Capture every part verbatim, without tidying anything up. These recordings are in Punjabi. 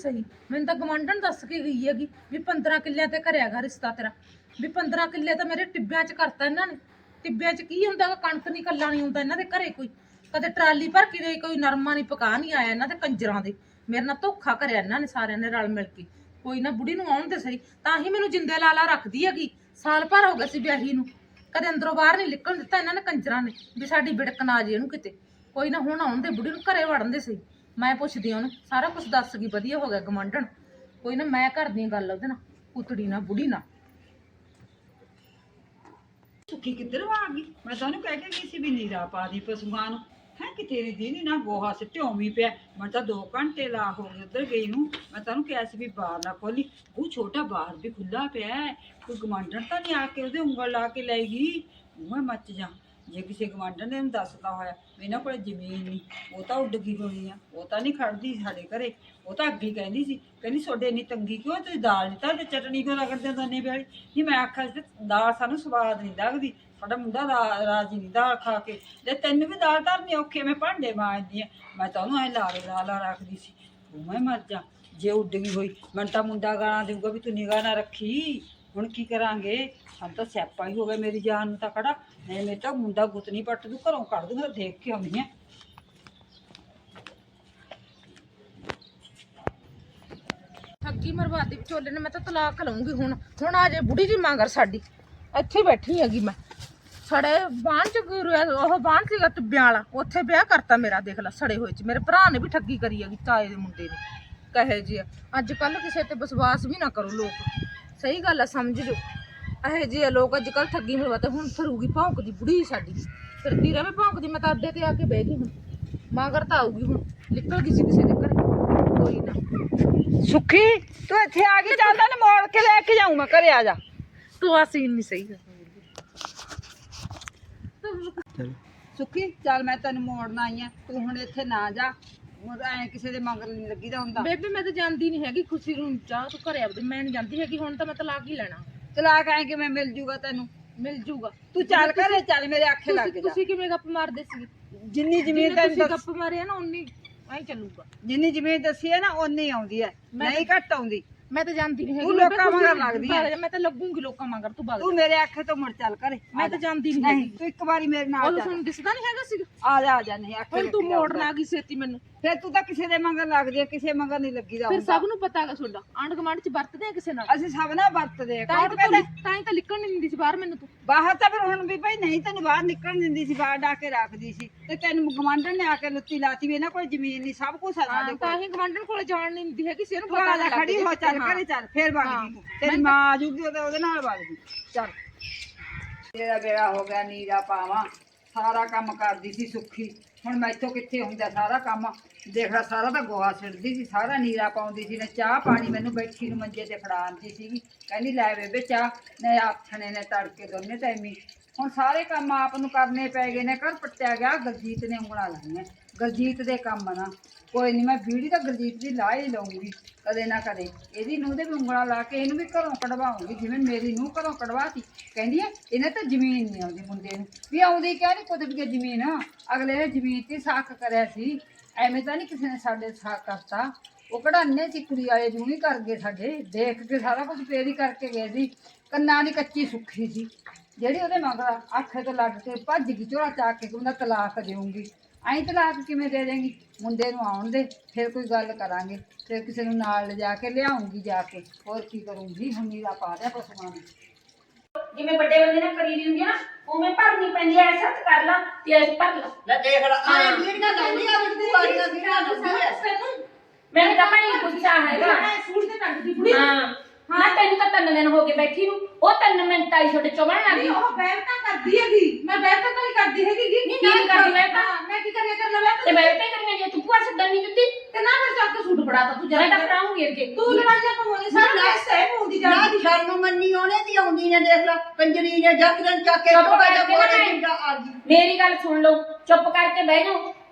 ਸਹੀ, ਮੈਨੂੰ ਤਾਂ ਗਵਾਂਢਣ ਦੱਸ ਕੇ ਗਈ ਹੈਗੀ ਵੀ ਪੰਦਰਾਂ ਕਿੱਲਿਆਂ ਤੇ ਕਰਿਆਗਾ ਰਿਸ਼ਤਾ ਤੇਰਾ, ਵੀ ਪੰਦਰਾਂ ਕਿੱਲੇ ਤਾਂ ਮੇਰੇ ਟਿੱਬਿਆਂ 'ਚ ਕਰਤਾ ਇਹਨਾਂ ਨੇ। ਟਿੱਬਿਆਂ 'ਚ ਕੀ ਹੁੰਦਾ ਗਾ, ਕਣਕ ਨਹੀਂ ਕੱਲਾ ਨਹੀਂ ਹੁੰਦਾ ਇਹਨਾਂ ਦੇ ਘਰੇ ਕੋਈ, ਕਦੇ ਟਰਾਲੀ ਭਰ ਕੇ ਦੇ ਕੋਈ ਨਰਮਾ ਨਹੀਂ ਪਕਾ ਨਹੀਂ ਆਇਆ ਇਹਨਾਂ ਦੇ ਕੰਜਰਾਂ ਦੇ। ਮੇਰੇ ਨਾਲ ਧੋਖਾ ਕਰਿਆ ਇਹਨਾਂ ਨੇ ਸਾਰਿਆਂ ਨੇ ਰਲ ਮਿਲ ਕੇ। ਕੋਈ ਨਾ ਬੁੜੀ ਨੂੰ ਆਉਣ ਦੇ ਸਹੀ, ਤਾਂ ਹੀ ਮੈਨੂੰ ਜਿੰਦੇ ਲਾਲਾ ਰੱਖਦੀ ਹੈਗੀ। ਸਾਲ ਭਰ ਹੋ ਗਿਆ ਸੀ ਵਿਆਹੀ ਨੂੰ, ਕਦੇ ਅੰਦਰੋਂ ਬਾਹਰ ਨਹੀਂ ਨਿਕਲਣ ਦਿੱਤਾ ਇਹਨਾਂ ਨੇ ਕੰਜਰਾਂ ਨੇ, ਵੀ ਸਾਡੀ ਬਿੜਕ ਨਾ ਜੇ ਇਹਨੂੰ ਕਿਤੇ। ਕੋਈ ਨਾ ਹੁਣ ਆਉਣ ਦੇ ਬੁੜੀ ਨੂੰ, ਘਰੇ ਵੜਨ ਦੇ ਸਹੀ। ਮੈਂ ਪੁੱਛਦੀ ਆ ਉਹਨੂੰ, ਸਾਰਾ ਕੁਝ ਦੱਸ ਗਈ, ਵਧੀਆ ਹੋ ਗਿਆ ਗਵਾਂਢਣ। ਕੋਈ ਨਾ ਮੈਂ ਕਰਦੀ ਗੱਲ ਉਹਦੇ ਨਾਲ, ਪੁੱਤੜੀ ਨਾਲ ਬੁੜੀ ਨਾਲ। ਸੁੱਖੀ ਕਿੱਧਰ ਆ ਗਈ? ਮੈਂ ਤਾਂ ਉਹਨੂੰ ਕਹਿ ਕੇ ਗਈ ਸੀ ਵੀ ਨੀਰਾ ਪਾ ਦੀ ਪਸ਼ੂਆਂ ਨੂੰ। ਹੈ ਕਿ ਤੇਰੀ ਦੀਦੀ ਨਾ ਗੋਹਾ ਸਿੱਟਿਓ ਵੀ ਪਿਆ। ਮੈਂ ਤਾਂ ਦੋ ਘੰਟੇ ਲਾ ਹੋ ਗਏ ਉੱਧਰ ਗਈ ਨੂੰ। ਮੈਂ ਤਾਂ ਉਹਨੂੰ ਕਿਹਾ ਸੀ ਵੀ ਬਾਹਰ ਨਾ ਖੋਲੀ, ਉਹ ਛੋਟਾ ਬਾਹਰ ਵੀ ਖੁੱਲਾ ਪਿਆ ਹੈ, ਕੋਈ ਗਵਾਂਢਣ ਤਾਂ ਨਹੀਂ ਆ ਕੇ ਉਹਦੇ ਉਂਗਲ ਲਾ ਕੇ ਲੈ ਗਈ। ਮੈਂ ਮੱਚ ਜਾ ਜੇ ਕਿਸੇ ਗਵਾਂਢਣ ਨੇ ਉਹਨੂੰ ਦੱਸਦਾ ਹੋਇਆ ਵੀ ਇਹਨਾਂ ਕੋਲ ਜ਼ਮੀਨ ਨਹੀਂ, ਉਹ ਤਾਂ ਉੱਡ ਗਈ ਹੋਣੀ ਆ, ਉਹ ਤਾਂ ਨਹੀਂ ਖੜਦੀ ਸਾਡੇ ਘਰੇ। ਉਹ ਤਾਂ ਅੱਗੇ ਕਹਿੰਦੀ ਸੀ, ਕਹਿੰਦੀ ਤੁਹਾਡੇ ਇੰਨੀ ਤੰਗੀ ਕਿਉਂ, ਤੁਸੀਂ ਦਾਲ ਨਹੀਂ ਤਾਂ ਚਟਣੀ ਕਿਉਂ ਰਗੜਦੇ ਹੋ ਦੋਨੇ ਵਾਲੀ। ਨਹੀਂ ਮੈਂ ਆਖਿਆ ਸੀ ਦਾਲ ਸਾਨੂੰ ਸਵਾਦ ਨਹੀਂ ਲੱਗਦੀ, ਸਾਡਾ ਮੁੰਡਾ ਰਾ ਰਾਜੀ ਨਹੀਂ ਦਾਲ ਖਾ ਕੇ, ਜੇ ਤੈਨੂੰ ਵੀ ਦਾਲ ਧਰਨੀ ਔਖੀ, ਮੈਂ ਭਾਂਡੇ ਮਾਂਜਦੀ ਆ। ਮੈਂ ਤਾਂ ਉਹਨੂੰ ਐਂ ਲਾਰੇ ਲਾ ਲਾ ਰੱਖਦੀ ਸੀ। ਉਹ ਮੈਂ ਮਰ ਜਾ ਜੇ ਉੱਡ ਗਈ ਹੋਈ। ਮੈਨੂੰ ਤਾਂ ਮੁੰਡਾ ਗਾਲਾਂ ਦੇਊਗਾ ਵੀ ਤੂੰ ਨਿਗਾਹ ਨਾ ਰੱਖੀ। ਹੁਣ ਕੀ ਕਰਾਂਗੇ, ਸਾਨੂੰ ਤਾਂ ਸਿਆਪਾ ਹੀ ਹੋ ਗਿਆ, ਮੇਰੀ ਜਾਨ ਨੂੰ ਤਾਂ ਖੜਾ। ਨਹੀਂ ਮੇਰੇ ਤਾਂ ਮੁੰਡਾ ਗੁੱਤ ਨਹੀਂ ਪੱਟ ਦੂ, ਘਰੋਂ ਕੱਢ ਦੂੰਗਾ, ਦੇਖ ਕੇ ਆਉਂਦੀ ਆ। ਠੱਗੀ ਮਰਵਾਦੀ ਵਿਚੋਲੇ ਨੇ, ਮੈਂ ਤਾਂ ਤਲਾਕ ਲਊਂਗੀ ਹੁਣ। ਹੁਣ ਆ ਜੇ ਬੁੜੀ ਜੀ ਮਗਰ ਸਾਡੀ, ਇੱਥੇ ਬੈਠੀ ਹੈਗੀ ਮੈਂ। ਸੜੇ ਬਾਣ ਚ ਉਹ ਬਾਣ ਸੀਗਾ ਟਿੱਬਿਆਂ ਵਾਲਾ, ਉੱਥੇ ਵਿਆਹ ਕਰਤਾ ਮੇਰਾ। ਦੇਖ ਲੈ ਸੜੇ ਹੋਏ ਚ ਮੇਰੇ ਭਰਾ ਨੇ ਵੀ ਠੱਗੀ ਕਰੀ ਹੈਗੀ, ਤਾਏ ਦੇ ਮੁੰਡੇ ਨੇ। ਕਹੇ ਜੀ ਅੱਜ ਕੱਲ ਕਿਸੇ ਤੇ ਵਿਸ਼ਵਾਸ ਵੀ ਨਾ ਕਰੋ ਲੋਕ, ਸਹੀ ਗੱਲ ਆ, ਸਮਝ ਜੋ। ਇਹੋ ਜਿਹੇ ਲੋਕ ਅੱਜ ਕੱਲ ਠੱਗੀ ਮਰਵਾਤੇ। ਹੁਣ ਫਿਰੂਗੀ ਭੌਂਕਦੀ ਬੁੜੀ ਸਾਡੀ, ਫਿਰਦੀ ਰਵੇ ਭੌਂਕਦੀ। ਮੈਂ ਤਾਂ ਅੱਡੇ ਤੇ ਆ ਕੇ ਬਹਿ ਗਈ ਹੁਣ, ਮਗਰ ਤਾਂ ਆਊਗੀ ਹੁਣ, ਨਿਕਲ ਗਈ ਸੀ ਕਿਸੇ ਦੇ ਘਰੇ। ਕੋਈ ਨਾ ਸੁੱਖੀ ਤੂੰ ਇੱਥੇ ਆ ਗਈ, ਚੱਲ ਤੈਨੂੰ ਮੋੜ ਕੇ ਲੈ ਕੇ ਜਾਊਂ ਮੈਂ ਘਰੇ, ਆ ਜਾ। ਤੂੰ ਆ ਸੀਨ ਨਹੀਂ ਸਹੀ ਸੁੱਖੀ ਚੱਲ ਮੈਂ ਤੈਨੂੰ ਮੋੜਨ ਆਈ ਆ, ਤੂੰ ਹੁਣ ਇੱਥੇ ਨਾ ਜਾ। ਐ ਕਿਸੇ ਦੇ ਮਗਰ ਨਹੀਂ ਲੱਗੀਦਾ ਹੁੰਦਾ। ਬੇਬੇ ਮੈਂ ਤਾਂ ਜਾਂਦੀ ਨਹੀਂ ਹੈਗੀ, ਖੁਸ਼ੀ ਨੂੰ ਚਾਹ ਤੂੰ ਘਰੇ ਆਪਦੇ, ਮੈਂ ਨਹੀਂ ਜਾਂਦੀ ਹੈਗੀ। ਹੁਣ ਤਾਂ ਮੈਂ ਤਲਾਕ ਹੀ ਲੈਣਾ। ਤਲਾਕ ਐ ਕਿਵੇਂ ਮਿਲ ਜੂਗਾ ਤੈਨੂੰ? ਮਿਲ ਜੂਗਾ। ਤੂੰ ਚੱਲ ਘਰੇ ਚੱਲ, ਮੇਰੇ ਆਖੇ ਲੱਗ ਜਾ। ਤੁਸੀਂ ਕਿਵੇਂ ਗੱਪ ਮਾਰਦੇ ਸੀ? ਜਿੰਨੀ ਜ਼ਮੀਨ ਤੁਸੀਂ ਤੈਨੂੰ ਗੱਪ ਮਾਰਿਆ ਨਾ ਉਨੀ ਐਂ ਚੱਲੂਗਾ। ਜਿੰਨੀ ਜ਼ਮੀਨ ਦੱਸੀ ਹੈ ਨਾ ਓਨੀ ਆਉਂਦੀ ਹੈ, ਨਹੀਂ ਘੱਟ ਆਉਂਦੀ। ਮੈਂ ਤਾਂ ਜਾਂਦੀ ਨਹੀਂ ਹੈਗੀ। ਤੂੰ ਲੋਕਾਂ ਮਗਰ ਲੱਗਦੀ ਹੈ। ਮੈਂ ਤਾਂ ਲੱਗੂਗੀ ਲੋਕਾਂ ਮਗਰ। ਤੂੰ ਬਗ ਤੂੰ ਮੇਰੇ ਆਖੇ ਤੋਂ ਮੁੜ ਚੱਲ ਘਰੇ। ਮੈਂ ਤਾਂ ਜਾਂਦੀ ਨਹੀਂ ਨਹੀਂ ਹੈਗੀ। ਤੂੰ ਇੱਕ ਵਾਰੀ ਮੇਰੇ ਨਾਲ ਉਹ ਚੱਲ। ਤੁਹਾਨੂੰ ਦਿਸਦਾ ਨਹੀਂ ਹੈਗਾ ਸੀ? ਆ ਜਾ ਆ ਜਾ, ਨਹੀਂ ਆਖੇ ਹੁਣ ਤੂੰ ਮੋੜਨ ਆ ਗਈ ਛੇਤੀ ਮੈਨੂੰ। ਫਿਰ ਤੂੰ ਤਾਂ ਕਿਸੇ ਦੇ ਮਗਰ ਲੱਗਦੀ ਹੈ, ਕਿਸੇ ਮਗਰ ਨਹੀਂ ਲੱਗੀਦਾ ਫਿਰ ਹੁੰਦਾ। ਸਭ ਨੂੰ ਪਤਾ ਹੈਗਾ ਤੁਹਾਡਾ, ਆਂਢ ਗੁਆਂਢ ਚ ਵਰਤਦੇ ਆ ਕਿਸੇ ਨਾਲ। ਅਸੀਂ ਸਭ ਨਾਲ ਵਰਤਦੇ ਆ। ਤਾਂ ਹੀ ਕੌਣ ਤਾਂ ਕਹਿੰਦਾ ਤਾਂ ਹੀ ਤਾਂ ਨਿਕਲਣ ਨਹੀਂ ਦਿੰਦੀ ਸੀ ਬਾਹਰ ਮੈਨੂੰ ਤੂੰ। ਬਾਹਰ ਤਾਂ ਫਿਰ ਹੁਣ ਵੀ ਭਾਈ ਨਹੀਂ ਤੈਨੂੰ ਬਾਹਰ ਨਿਕਲਣ ਦਿੰਦੀ ਸੀ, ਬਾਹਰ ਡਾ ਕੇ ਰੱਖਦੀ ਸੀ। ਤੇ ਤੈਨੂੰ ਗਵਾਂਢਣ ਨੇ ਆ ਕੇ ਲੁੱਤੀ ਲਾਤੀ ਵੀ ਇਹਨਾਂ ਕੋਲ ਜ਼ਮੀਨ ਨਹੀਂ, ਸਭ ਕੁਝ ਆ ਸਾਡੇ ਤਾਂ ਕੋਲ। ਹੀ ਗਵਾਂਢਣ ਕੋਲ ਜਾਣ ਨਹੀਂ ਦਿੰਦੀ ਹੈਗੀ ਸੀ। ਇਹਨੂੰ ਤੂੰ ਪਤਾ ਆ ਜਾ, ਲੱਗ ਖੜੀ ਹੋ, ਚੱਲ ਘਰੇ ਚੱਲ। ਫਿਰ ਵਗ ਹਾਂ। ਜੀ ਤੂੰ, ਤੇਰੀ ਮਾਂ ਆ ਜੂਗੀ ਉਹਦੇ ਉਹਦੇ ਨਾਲ ਵਗ ਜੀ। ਚੱਲ ਤੇਰਾ ਬੇੜਾ ਹੋ ਗਿਆ ਨੀਰਾ ਪਾਵਾਂ, ਸਾਰਾ ਕੰਮ ਕਰਦੀ ਸੀ ਸੁੱਖੀ। ਹੁਣ ਮੈਥੋਂ ਕਿੱਥੇ ਹੁੰਦਾ ਸਾਰਾ ਕੰਮ। ਦੇਖ ਲੈ ਸਾਰਾ ਤਾਂ ਗੋਹਾ ਸਿੱਟਦੀ ਸੀ, ਸਾਰਾ ਨੀਰਾ ਪਾਉਂਦੀ ਸੀ। ਨੇ ਚਾਹ ਪਾਣੀ ਮੈਨੂੰ ਬੈਠੀ ਨੂੰ ਮੰਜੇ ਤੇ ਫੜਾਉਂਦੀ ਸੀਗੀ, ਕਹਿੰਦੀ ਲੈ ਬੇਬੇ ਚਾਹ। ਨੇ ਆਥਣੇ ਨੇ ਤੜਕੇ ਦੋਨੇ ਟਾਈਮੀ। ਹੁਣ ਸਾਰੇ ਕੰਮ ਆਪ ਨੂੰ ਕਰਨੇ ਪੈ ਗਏ ਨੇ। ਘਰ ਪੱਟਿਆ ਗਿਆ, ਗੁਰਜੀਤ ਨੇ ਉਂਗਲਾਂ ਲਾਈਆਂ। ਗੁਰਜੀਤ ਦੇ ਕੰਮ ਨਾ ਕੋਈ ਨਹੀਂ, ਮੈਂ ਵੀੜੀ ਤਾਂ ਗੁਰਜੀਤ ਦੀ ਲਾ ਹੀ ਲਊਂਗੀ ਕਦੇ ਨਾ ਕਦੇ। ਇਹਦੀ ਨੂੰਹ ਦੇ ਵੀ ਉਂਗਲਾਂ ਲਾ ਕੇ ਇਹਨੂੰ ਵੀ ਘਰੋਂ ਕਢਵਾਉਂਗੀ, ਜਿਵੇਂ ਮੇਰੀ ਨੂੰਹ ਘਰੋਂ ਕਢਵਾਤੀ। ਕਹਿੰਦੀ ਹੈ ਇਹਨੇ ਤਾਂ ਜ਼ਮੀਨ ਨਹੀਂ ਆਉਂਦੀ ਮੁੰਡੇ ਨੂੰ, ਵੀ ਆਉਂਦੀ ਕਿਆ ਨਹੀਂ ਕੁਦਰਤ ਦੀ ਜ਼ਮੀਨ। ਅਗਲੇ ਨੇ ਜ਼ਮੀਨ ਤੇ ਸਾਖ ਕਰਿਆ ਸੀ, ਐਵੇਂ ਤਾਂ ਨਹੀਂ ਕਿਸੇ ਨੇ ਸਾਡੇ ਸਾਖ ਕਰਤਾ। ਉਹ ਕਢਾਨੇ ਚਿੱਕੜੀ ਵਾਲੇ ਜੂ ਹੀ ਕਰ ਗਏ ਸਾਡੇ, ਦੇਖ ਕੇ ਸਾਰਾ ਕੁਝ ਫੇਰ ਹੀ ਕਰਕੇ ਗਏ ਸੀ। ਕੰਨਾਂ ਦੀ ਕੱਚੀ ਸੁੱਖੀ ਸੀ ਜਿਹੜੀ ਉਹਦੇ ਮਗਰ ਆਖੇ ਤੋਂ ਲੱਗ ਕੇ ਭੱਜ ਗਈ, ਝੋਲਾ ਚੱਕ ਕੇ ਉਹਦਾ ਤਲਾਕ ਦੇਊਂਗੀ। ਐਂ ਤਲਾਕ ਕਿਵੇਂ ਦੇ ਦੇਂਗੀ? ਮੁੰਡੇ ਨੂੰ ਆਉਣ ਦੇ, ਫਿਰ ਕੋਈ ਗੱਲ ਕਰਾਂਗੇ। ਫਿਰ ਕਿਸੇ ਨੂੰ ਨਾਲ ਲਿਜਾ ਕੇ ਲਿਆਉਂਗੀ ਜਾ ਕੇ, ਹੋਰ ਕੀ ਕਰੂੰਗੀ। ਹੁਣ ਨੀਰਾ ਪਾ ਦਿਆ ਪਸ਼ੂਆਂ ਨੂੰ। ਜਿਵੇਂ ਵੱਡੇ ਬੰਦੇ ਨਾਲ ਕਰੀ ਦੀ ਹੁੰਦੀ ਆ ਨਾ, ਉਵੇਂ ਭਰਨੀ ਪੈਂਦੀ ਐ। ਸੱਤ ਕਰ ਲਾ ਤੇ ਐਸ ਭਰ ਲਾ। ਲੈ ਦੇਖ ਲਾ ਆਏ ਵੀੜੀਆਂ ਲਾਉਂਦੀ ਆ ਵੀ ਤੂੰ ਆੜੀਆਂ ਵੀੜੀਆਂ ਲਾਉਂਦੀ ਐ। ਮੈਨੂੰ ਤਾਂ ਭਾਈ ਗੁੱਸਾ ਹੈਗਾ। ਸੂਟ ਤੇ ਟੰਗਦੀ ਬੁੜੀ। ਹਾਂ ਨਾ ਤੈਨੂੰ ਤਾਂ ਤਿੰਨ ਦਿਨ ਹੋ ਗਏ ਬੈਠੀ ਨੂੰ, ਉਹ ਤਿੰਨ ਮਿੰਟ ਆਈ ਛੋਟੇ ਚੁਬਣ ਲੱਗ ਗਈ। ਉਹ ਬੈਠਾ ਕਰਦੀ ਹੈਗੀ, ਮੈਂ ਬੈਠਾ ਤਾਂ ਨਹੀਂ ਕਰਦੀ ਹੈਗੀ। ਨਹੀਂ ਨਹੀਂ ਕਰਦੀ ਮੈਂ ਤਾਂ, ਮੈਂ ਕੀ ਕਰਿਆ ਕਰ ਲਵਾਂ ਤੇ ਮੈਂ ਬੈਠੇ ਕਰੀਆਂ ਜੇ ਤੂੰ ਭੂਆ ਸੱਦਣ ਨਹੀਂ ਦਿੱਤੀ ਤੇ ਨਾ ਫਿਰ ਚੱਕ ਕੇ ਸੂਟ ਫੜਾਤਾ ਤੂੰ। ਮੈਂ ਜਰਾ ਤਾਂ ਫੜਾਉਂਗੀ ਅੱਗੇ। ਤੂੰ ਲੜਾਈਆਂ ਪਵਾਉਣੀ ਸਾਰਾ ਦੇਸ਼ ਸਹਿ ਹੋਉਂਦੀ ਨਾ ਜਾਂਦੀ। ਸ਼ਰਮ ਮੰਨੀ ਉਹਨੇ ਦੀ ਆਉਂਦੀ ਨੇ, ਦੇਖ ਲਾ ਕੰਜਰੀ ਨੇ ਜੱਕਰਨ ਚੱਕ ਕੇ ਚੁੱਪ ਟੋਕਾ ਕਰਕੇ ਜਾ ਨਾ ਕੋਲੇ ਮੈਂ- ਜਿੰਦਾ ਆ ਗਈ। ਮੇਰੀ ਗੱਲ ਸੁਣ ਲਓ, ਚੁੱਪ ਕਰਕੇ ਬਹਿ ਜਾਓ।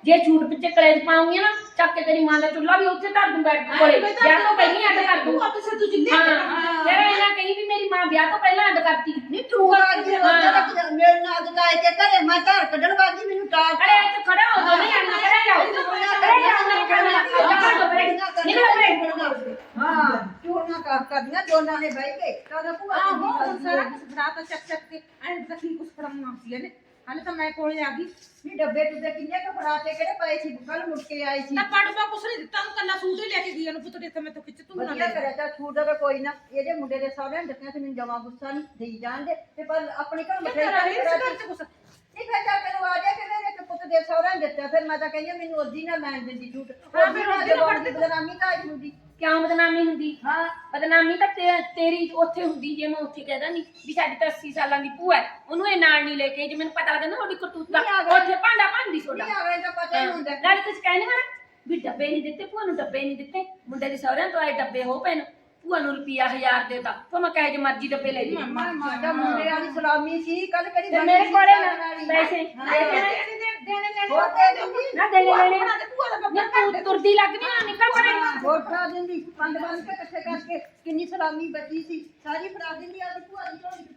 ਜੇ ਝੂਠ ਪਿੱਛੇ ਕਲੇਜ ਪਾਉਂਗੀ ਨਾ ਚੱਕ ਕੇ ਤੇਰੀ ਮਾਂ ਦਾ ਚੁੱਲ੍ਹਾ ਵੀ ਉੱਥੇ ਧਰ ਦੂੰ ਬੈਠ ਕੋਲੇ ਵਿਆਹ ਤੋਂ ਪਹਿਲਾਂ ਅੱਡ ਕਰ ਦੂੰ ਆਪੇ ਸੇ ਤੂੰ ਜਿੰਦੇ ਹਾਂ ਤੇਰਾ ਇਹਨਾਂ ਕਹੀ ਵੀ ਮੇਰੀ ਮਾਂ ਵਿਆਹ ਤੋਂ ਪਹਿਲਾਂ ਅੱਡ ਕਰਤੀ ਨਹੀਂ ਤੂੰ ਆ ਕੇ ਮੇਰੇ ਨਾਲ ਦਕਾਏ ਕੇ ਘਰੇ ਮੈਂ ਘਰ ਕੱਢਣ ਵਾਗੀ ਮੈਨੂੰ ਟਾਲ ਅਰੇ ਇੱਥੇ ਖੜਾ ਹੋ ਦੋ ਨਹੀਂ ਅੰਦਰ ਖੜਾ ਜਾਓ ਖੜੇ ਜਾਓ ਮੇਰੇ ਘਰ ਨਿਕਲ ਪਰੇ ਹਾਂ ਚੋਰੀਆਂ ਕਰ ਕਰਦੀਆਂ ਦੋਨਾਂ ਨੇ ਬਹਿ ਕੇ ਕਾਹਦਾ ਭੂਆ ਆਹੋ ਦੀ ਹੁਣ ਸਾਰਾ ਕੁਝ ਫੜਾਤਾ ਚੱਕ ਚੱਕ ਕੇ ਐਂ ਤੱਕੀ ਕੁਝ ਫੜਾਉਣਾ ਸੀ ਇਹਨੇ ਹਾਲੇ ਤਾਂ ਮੈਂ ਕੋਲੇ ਆ ਗਈ ਨਹੀਂ ਡੱਬੇ ਟੁੱਬੇ ਕਿੰਨੇ ਕ ਫੜਾਤੇ ਕਿਹੜੇ ਪਏ ਸੀ ਕੱਲ ਮੁੜ ਕੇ ਆਈ ਸੀ ਨਾ ਪੜਵਾ ਕੁਛ ਨਹੀਂ ਦਿੱਤਾ ਨੂੰ ਕੱਲਾ ਸੂਟ ਹੀ ਲੈ ਕੇ ਗਈ ਉਹਨੂੰ ਪੁੱਤ ਦੇ ਤੇ ਮੈਂ ਤਾਂ ਖਿੱਚ ਤੂੰ ਨਾ ਵਧੀਆ ਲੈ ਕਰਿਆ ਤਾਂ ਛੂਟ ਦਾ ਕੋਈ ਨਾ ਇਹਦੇ ਮੁੰਡੇ ਦੇ ਸਾਹਮਣੇ ਦਿੱਤੀਆਂ ਸੀ ਮੈਨੂੰ ਜਮਾ ਗੁੱਸਾ ਨਹੀਂ ਦੇਈ ਜਾਣਦੇ ਤੇ ਪਰ ਆਪਣੇ ਘਰ ਮਠਾਈ ਤੇਰਾ ਇਸ ਕਰਾ ਘਰ ਚ ਕੁਛ ਨਹੀਂ ਫਿਰ ਜਾ ਮੈਨੂੰ ਆ ਜਾ ਕਿ ਮੇਰੇ ਇੱਕ ਪੁੱਤ ਦੇ ਸਹੁਰਿਆਂ ਨੇ ਦਿੱਤਾ ਫਿਰ ਮੈਂ ਤਾਂ ਕਹਿੰਦੀ ਮੈਨੂੰ ਉਹਦੀ ਨਾ ਲੈਣ ਦਿੰਦੀ ਝੂਠ ਹਾਂ, ਫਿਰ ਉਹਦੀ ਨਾ ਫੜਦੀ। ਬਦਨਾਮੀ ਤਾਂ ਆਈ ਹੁੰਦੀ ਕਿਉਂ ਬਦਨਾਮੀ ਹੁੰਦੀ ਹਾਂ ਬਦਨਾਮੀ ਤਾਂ ਤੇ- ਤੇਰੀ ਉੱਥੇ ਹੁੰਦੀ ਜੇ ਮੈਂ ਉੱਥੇ ਕਹਿਦਾ ਨਹੀਂ ਵੀ ਸਾਡੀ ਤਾਂ ਅੱਸੀ ਸਾਲਾਂ ਦੀ ਭੂਆ ਹੈ ਉਹਨੂੰ ਇਹ ਨਾਲ ਨਹੀਂ ਲੈ ਕੇ ਜੇ ਮੈਨੂੰ ਪਤਾ ਲੱਗਦਾ ਨਾ ਉਹਦੀ ਕਰਤੂਤ ਦਾ ਨਹੀਂ ਆ ਗਏ। ਉੱਥੇ ਭਾਂਡਾ ਭਾਂਦੀ ਸੋਡਾ ਨਹੀਂ ਅਗਲੇ ਦਾ ਪਤਾ ਹੀ ਹੁੰਦਾ ਨਾਲੇ ਤੁਸੀਂ ਕਹਿੰਦੇ ਹੋ ਨਾ ਵੀ ਡੱਬੇ ਨਹੀਂ ਦਿੱਤੇ ਭੂਆ ਨੂੰ ਡੱਬੇ ਨਹੀਂ ਦਿੱਤੇ ਮੁੰਡੇ ਦੇ ਸਹੁਰਿਆਂ ਤੋਂ ਆਏ ਡੱਬੇ ਹੋ ਪਏ ਨੂੰ ਭੂਆ ਨੂੰ ਰੁਪਿਆ ਹਜ਼ਾਰ ਦੇਤਾ ਭਾਵੇਂ ਕਹੇ ਜੇ ਮਰਜ਼ੀ ਡੱਬੇ ਲੈ ਲਈ ਮਾਂ ਮਾਂ ਮੁੰਡੇ ਵਾਲੀ ਸਲਾਮੀ ਸੀ ਕੱਲ ਕਿਹੜੀ ਤੇ ਬਣੀ ਮੇਰੇ ਸੀ ਕੋਲੇ ਸਾਰਿਆਂ ਨਾ ਵਾਲੀ। ਪੈਸੇ ਹਾਂ। ਦੇ ਦੇਣਾ ਦੇਣੇ ਲੈਣੇ ਹੋਰ ਦੇ ਦਿੰਦੀ ਨਾ ਦੇਣੇ ਲੈਣੇ ਬਣਾ ਦੇ ਭੂਆ ਦਾ ਨਾ ਬੱਬਾ ਤੂੰ ਤੁਰਦੀ ਲੱਗਦੀ ਨਾ ਨਿਕਲ ਪਰੇ ਹੋਰ ਫੜਾ ਦਿੰਦੀ ਪੰਜ ਬੰਨ ਕੇ ਇਕੱਠੇ ਕਰਕੇ ਕਿੰਨੀ ਸਲਾਮੀ ਬਚੀ ਸੀ ਸਾਰੀ ਫੜਾ ਦਿੰਦੀ ਆ ਤੇ ਭੂਆ ਦੀ ਝੋਲੀ